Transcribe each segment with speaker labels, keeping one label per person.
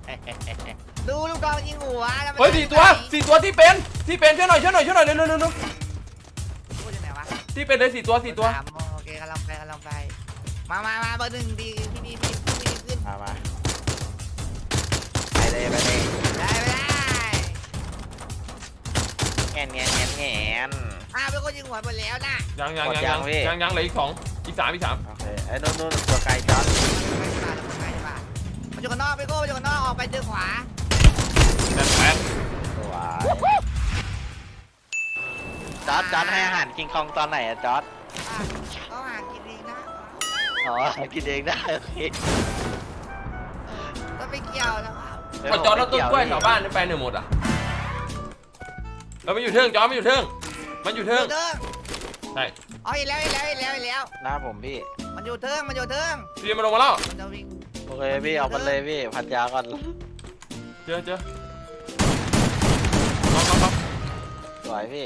Speaker 1: ดูลูกกองยิงหัว
Speaker 2: เฮ้ย4 ตัวที่เป็นช่วยหน่อยเร็ว
Speaker 1: พูดยังไงวะ
Speaker 2: ที่เป็นเลย4 ตัว
Speaker 1: โอเคกำลังไปมาเบอร์หนึ่งดีพี่ดีขึ้น
Speaker 3: มาไปเลย
Speaker 1: ได้
Speaker 3: แงน
Speaker 1: เป็นคนยิงหัวหมดแล้วนะ
Speaker 2: ยังเหลืออีก2อีก3
Speaker 3: โอเคไอ้นู่นตัวไกลจอด
Speaker 1: มันอยู่กันนอกไปโก้มันอยู่กันนอกออกไปเจอขวา
Speaker 2: แต่แปด
Speaker 3: สวยจอดให้อาหารกิงคองตอนไหนอะจอด
Speaker 1: ก็หากินเองนะ
Speaker 3: อ๋อกินเองได้โอเค
Speaker 1: ก็ไปเกี่ยวนะ
Speaker 2: พอจอดแล้วต้นกล้วยแถวบ้านนี่ไปไหนหมดอ่ะเราไม่อยู่เทิงจอดไม่อยู่เทิงมันอยู่เทิงใช่
Speaker 1: อ๋อเห็นแล้ว
Speaker 3: หน้าผมพี่
Speaker 1: มันอยู่เทิง
Speaker 2: พี่มาลงมาแล้ว
Speaker 1: มันจะวิ่ง
Speaker 3: โอเคพี่เอามันเลยพี่พันยาก่อน
Speaker 2: เจอน็อก
Speaker 3: สวยพี่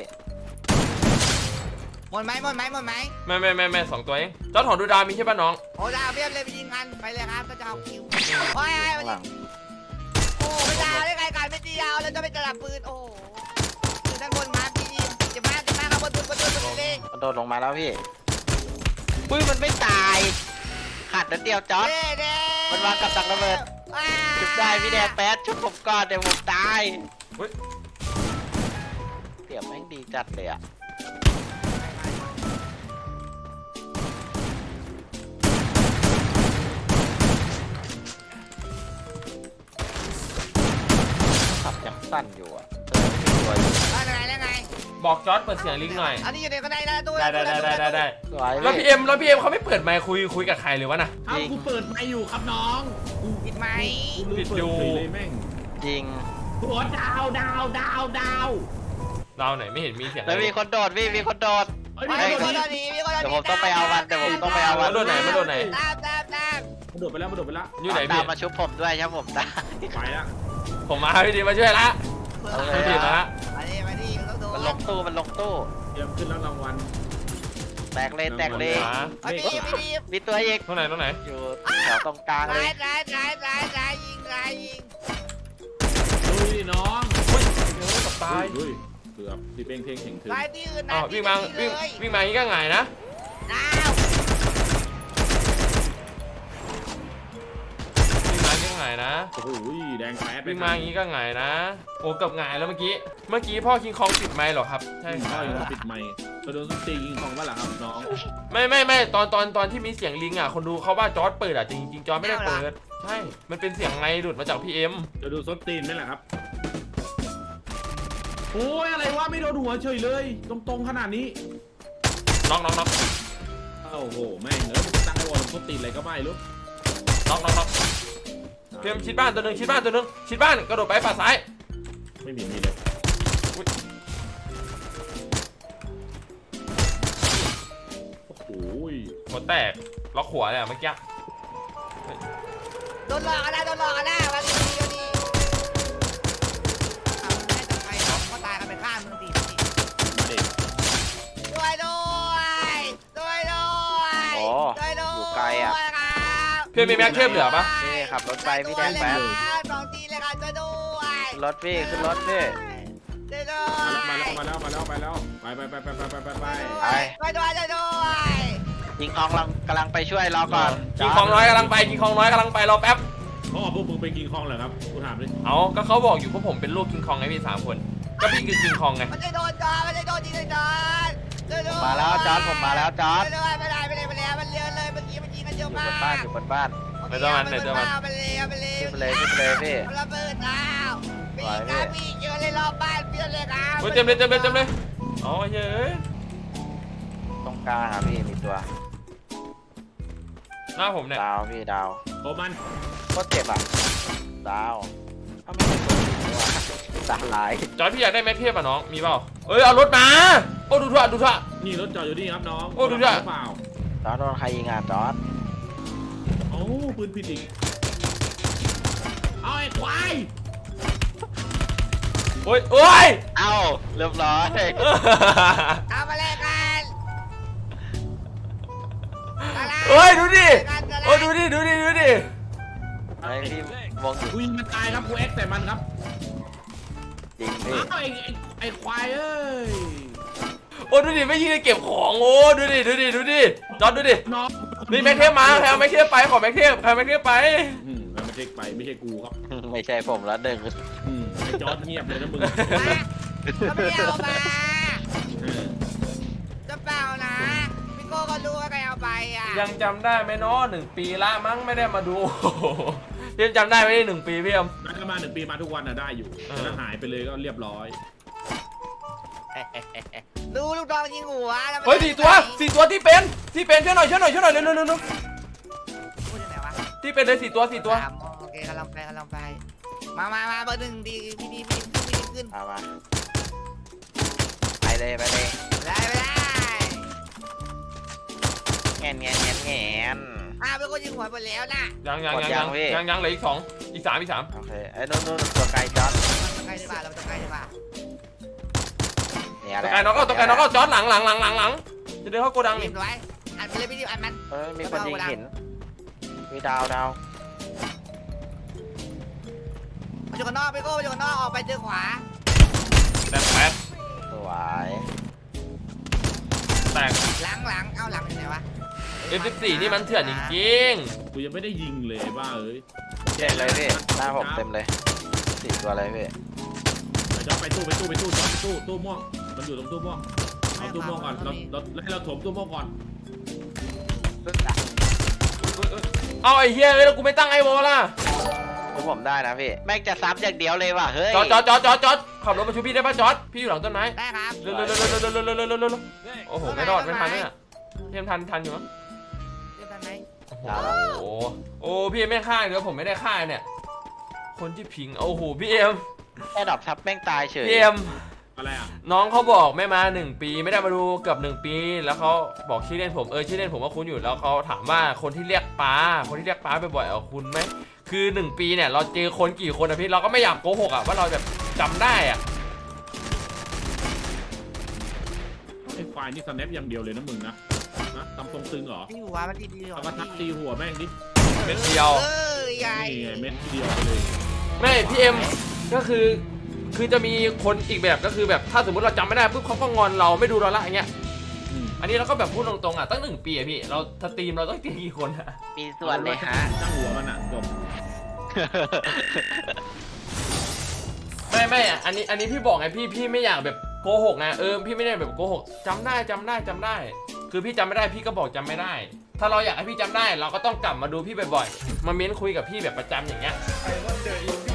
Speaker 1: หมดไหม
Speaker 2: ไม่2 ตัวเองจอดถอนดูดาวมีใช่ป่ะน้อง
Speaker 1: โอ้ดาวเพียบเลยไปยิงกันไปเลยครับก็จะเอาคิวโอ้ยโอ้ไม่ดาวได้ไงกันไม่ตีดาวแล้วจะไปจับปืนโอ้คือด้านบนมาพี่จะมาครับบนเลย
Speaker 3: มันโดดลงมาแล้วพี่ปุ้ยมันไม่ตายขาดนิดเดียวจอดมันวางกับดักระเบิดชุบได้พี่แดงแป๊ดชุบผมก่อนเดี๋ยวผมตายเสียบแม่งดีจัดเลยอะขับยังสั้นอยู่อะ
Speaker 1: แล้วไง
Speaker 2: บอกจอดเปิดเสียงลิงหน่อย
Speaker 1: อันนี้อยู่ในกระไดนะตู้
Speaker 2: ได้แล้วพี่เอ็มเขาไม่เปิดไมค์คุยกับใครเลยวะน่ะ
Speaker 4: เอ้ากูเปิดไมค์อยู่ครับน้อง
Speaker 1: ปิดไหม
Speaker 2: ปิดอยู่
Speaker 4: เลยแม่ง
Speaker 3: จริง
Speaker 4: หัวดาว
Speaker 2: เราไหนไม่เห็นมีเสียง
Speaker 3: แล้วมีคนโดดพี่มีคนโดด
Speaker 4: เฮ้ย
Speaker 1: มี
Speaker 4: มี
Speaker 1: ค
Speaker 4: คน น
Speaker 1: ดีมีคนดี
Speaker 3: เดี๋ยวผมต้องไปเอาวัน
Speaker 2: โดนไหน
Speaker 1: ตาม
Speaker 4: มันโดดไปแล้ว
Speaker 2: อยู่ไหน
Speaker 3: ตา
Speaker 2: พี่
Speaker 3: มมาชุบผมด้วยใช่ผมตา
Speaker 4: ไปแล้ว
Speaker 2: ผมมาพี่ดีมาช่วยละพี่ดีมาละ
Speaker 1: มาดิต้องโดน
Speaker 3: มันลงตู้
Speaker 4: เตรียมขึ้นแล้วรางวัล
Speaker 3: แตกเลย
Speaker 1: มาดิ
Speaker 3: มีตัวอีก
Speaker 2: ตรงไหน
Speaker 3: อยู่แถวตรงกลางเลย
Speaker 1: ร้ายยิง
Speaker 4: ดูดิน้อง
Speaker 2: กับตาย
Speaker 4: เฮ้ยเกือบพี่เป้งเท่งถึง
Speaker 1: ร้ายที่อื่นนะ
Speaker 2: อ๋อวิ่งมาอย่างนี้ก็ง่ายนะ
Speaker 1: ดาว
Speaker 2: วิ่งมาอย่างนี้ก็ง่ายนะ
Speaker 4: โอ้โหแดงแป๊ด
Speaker 2: วิ่งมาอย่างนี้ก็ง่ายนะโอ้กับง่ายแล้วเมื่อกี้พ่อคิงคองปิดไมค์หรอครับใช่ค
Speaker 4: ก็
Speaker 2: รับ
Speaker 4: ยังปิดไมค์กระโดนส้นตียิงของว่าหล่ะครับน้อง
Speaker 2: ไม่ตอนที่มีเสียงลิงอ่ะคนดูเขาว่าจอร์ดเปิดอ่ะจริงจอร์ดไม่ได้เปิดใช่มันเป็นเสียงไงหลุดมาจากพี่เอ็ม
Speaker 4: จะดูส้นตีนไหมล่ะครับโอ้ยอะไรวะไม่โดนหัวเฉยเลยตรงขนาดนี้
Speaker 2: น็อก
Speaker 4: โอ้โหแม่งตั้งไอ้วอลส้นตีนอะไรก็ไม่รู้
Speaker 2: พี่เอ็มชิดบ้านตัวหนึ่งชิดบ้านกระโดดไปฝั่งซ้าย
Speaker 4: ไม่มีเลยโอ้โห
Speaker 2: หัวแตกล็อกหัวเลยเมื่อกี้
Speaker 1: โดนหลอกกันนะวันนี้ไม่จะไปเขาตายกันไปข้ามมึงตีด้วย
Speaker 3: อยู่ไกลอ่ะ
Speaker 2: พี่มีแม็กเทพเหลือปะ
Speaker 3: นี่ขับรถไปพี่แดงแป๊บ
Speaker 1: สองทีเลยค่ะช่วยด้วย
Speaker 3: ขึ้นรถพี่ขึ้นรถพี่
Speaker 1: ช่วยด้วย
Speaker 4: ไปแล้วไปด้วย
Speaker 3: ยิงอองกำลังไปช่วยรอก่อน
Speaker 2: คิงคองน้อยกำลังไปรอแป๊บ
Speaker 4: เขาบอกพวกมึงไปกินคลองเหรอครับกูถามดิ
Speaker 2: เอาก็เขาบอกอยู่ว่าผมเป็นลูกคิงคองไงพี่3 คนก็พี่คือคิงคองไง
Speaker 1: มันจะโดนจอจริงเลยจอด
Speaker 3: มาแล้วจอดผมมาแล้วจอด
Speaker 1: ไม่ได้มันเลี้ยวเลยเมื่อกี้มันยิงกันเยอะ
Speaker 3: อยู่
Speaker 1: มาก
Speaker 3: บนบ้านขึ้นเลยพี่
Speaker 1: ระเบิดดาวปีกาปีเยอะเลยรอบบ้านเพื่อนเลยครับ
Speaker 2: เต็มเลยอ๋อเฮ้ย
Speaker 3: ตรงกลางครับพี่มีตัว
Speaker 2: หน้าผมเนี่ย
Speaker 3: ดาวพี่ดาว
Speaker 4: โอ้มัน
Speaker 3: โคตรเจ็บอ่ะดาวถ้าไม่เป็นตัวจริงว่ะสาหลาย
Speaker 2: จอยพี่อยากได้แม็กเทพอ่ะน้องมีเปล่าเอารถมาโอ้ดูทั่ว
Speaker 4: นี่รถจอดอยู่นี่ครับน้อง
Speaker 2: โอ้ดูดิ
Speaker 4: เปล่า
Speaker 3: จอดโดนใครยิงอ่ะจอด
Speaker 4: โอ้ปืนผิดอีกเอาไอ้ควาย
Speaker 2: โอ้ย
Speaker 3: เอ้าเรียบร้อย
Speaker 1: ทำอะไรกัน
Speaker 2: เฮ้ยดูดิโอ้ดูดิ
Speaker 3: ไอพี่วงอยู่
Speaker 4: กูยิงมันตายครับกูเอ็กแต่มันครับ
Speaker 3: จริงพี่
Speaker 4: อ้าวไอ้ควายเอ้ย
Speaker 2: โอ้ดูดิไม่ยิงเลยเก็บของโอ้ดูดิจอดดูดิ
Speaker 4: น้อง
Speaker 2: นี่แม็กเทปมาใครเอาแม็กเทปไปขอแม็กเทปใครแม็กเทปไป
Speaker 4: แล้วไม่ใช่ไปไม่ใช่กูครับ
Speaker 3: ไม่ใช่ผมแล้วหนึ่ง
Speaker 4: ไอ้จอร์ดเงียบเลยนะมึง
Speaker 1: มาก็ไม่ได้เอามา
Speaker 4: เออ
Speaker 1: จะเปล่านะพี่โก้ก็รู้ว่าใครเอาไปอ่ะ
Speaker 2: ยังจำได้ไหมเนาะ1 ปีละมั้งไม่ได้มาดู พี่จำได้ไหมได้1 ปีพี่เอ็ม
Speaker 4: นัดกันมา1 ปีมาทุกวันน่ะได้อยู่
Speaker 2: เออ
Speaker 4: แต่ถ้าหายไปเลยก็เรียบร้อย
Speaker 1: ดูลูกดองยิงหัวแล้วมัน
Speaker 2: เฮ้ย4 ตัวที่เป็นช่วยหน่อยเร็ว
Speaker 1: พูดยังไงวะ
Speaker 2: ที่เป็นเลย4 ตัว
Speaker 1: สามโอเคกำลังไปมาเบอร์หนึ่งดีพี่ขึ้น
Speaker 3: เอามาไปเลย
Speaker 1: ได้ไม่ได้
Speaker 3: แงน
Speaker 1: เป็นคนยิงหัวหมดแล้วนะ
Speaker 2: ยังเหลืออีก2อีก3
Speaker 3: โอเคไอ้นู่นตัวไกลจอด
Speaker 1: ใกล้ดีกว่าเราจะใกล้ดีกว่า
Speaker 3: เนี่ยแห
Speaker 2: ตัว
Speaker 3: ละ
Speaker 2: ไกลน็อกก็จอดหลังจะเดินเข้าโกดัง
Speaker 1: เห็
Speaker 2: นี่
Speaker 1: นไว้อันไปเลยพี่ดิวอันมัน
Speaker 3: มีคนยิงหินมีดาว
Speaker 1: มาอยู่กันนอกพี่โก้มาอยู่กันนอกออกไปเจอขวา
Speaker 2: แตกแปด
Speaker 3: สวย
Speaker 2: แตก
Speaker 1: หลังเอาหลังอยู่ไหนวะ
Speaker 2: F14 นี่มันเถื่อนจริง
Speaker 4: กูยังไม่ได้ยิงเลยบ้าเอ้ย
Speaker 3: เจ็บเลยพี่หน้าผมเต็มเลย4 ตัวเลยพี่
Speaker 4: ไปจอดไปตู้จอดไปตู้ม่วงมันอยู่ตรงตู้ม่วงเอาตู้ม่วงก่อนเราให้เราถมตู้ม่วงก่อน
Speaker 2: เอาไอ้เหี้ยแล้วกูไม่ตั้งไอ้วอลล่ะ
Speaker 3: ผมได้นะพี่แม่งจะซ้ำอย่างเดียวเลยว่ะเฮ้ย
Speaker 2: จอดขับรถมาช่วยพี่ได้ป่ะจอดพี่อยู่หลังต้นไม้
Speaker 1: ได้ครับ
Speaker 2: เร็วโอ้โหไม่รอดไม่ทันเนี่ยพี่ทันอยู่มั้ง
Speaker 1: เรียบร้อยไหม
Speaker 2: โอ้พี่ไม่ฆ่าเดี๋ยวผมไม่ได้ฆ่าเนี่ยคนที่พิงโอ้โหพี่เอ็ม
Speaker 3: แค่ดอกทับแม่งตายเฉย
Speaker 2: พี่เอ็ม
Speaker 4: อะไรอ่ะ
Speaker 2: น้องเขาบอกไม่มา1 ปีไม่ได้มาดูเกือบ1 ปีแล้วเขาบอกชื่อเล่นผมชื่อเล่นผมว่าคุณอยู่แล้วเขาถามว่าคนที่เรียกป้าบ่อยๆคุณไหมคือ1 ปีเนี่ยเราเจอคนกี่คนอะพี่เราก็ไม่อยากโกหกอะว่าเราแบบจำได้อะ
Speaker 4: ไอ้ควายนี่สแนปอย่างเดียวเลยนะมึงนะตำทรงตึงเหรอ
Speaker 1: ที่หัวมันดีๆ
Speaker 4: เอามาทักตีหัวแม่งดิ
Speaker 2: เม็ดเดียว
Speaker 1: ใหญ่
Speaker 4: นี่ไงเม็ดเดียวไปเลย
Speaker 2: ไม่พี่เอ็มก็คือจะมีคนอีกแบบก็คือแบบถ้าสมมติเราจำไม่ได้ปุ๊บเขาก็งอนเราไม่ดูเราละอย่างเงี้ยอันนี้เราก็แบบพูดตรงๆอะตั้ง1 ปีอะพี่เราสตรีมเราต้องตีกี่คนอะ
Speaker 3: มีส่วนเลยฮะ
Speaker 4: ตั้งหัวมันอ่ะจบ
Speaker 2: ไม่อะอันนี้พี่บอกไงพี่ไม่อยากแบบโกหกนะพี่ไม่ได้แบบโกหกจำได้คือพี่จำไม่ได้พี่ก็บอกจำไม่ได้ ถ้าเราอยากให้พี่จำได้เราก็ต้องกลับมาดูพี่บ่อยๆมาเม้นคุยกับพี่แบบประจำอย่างเงี้ย
Speaker 5: I wonder if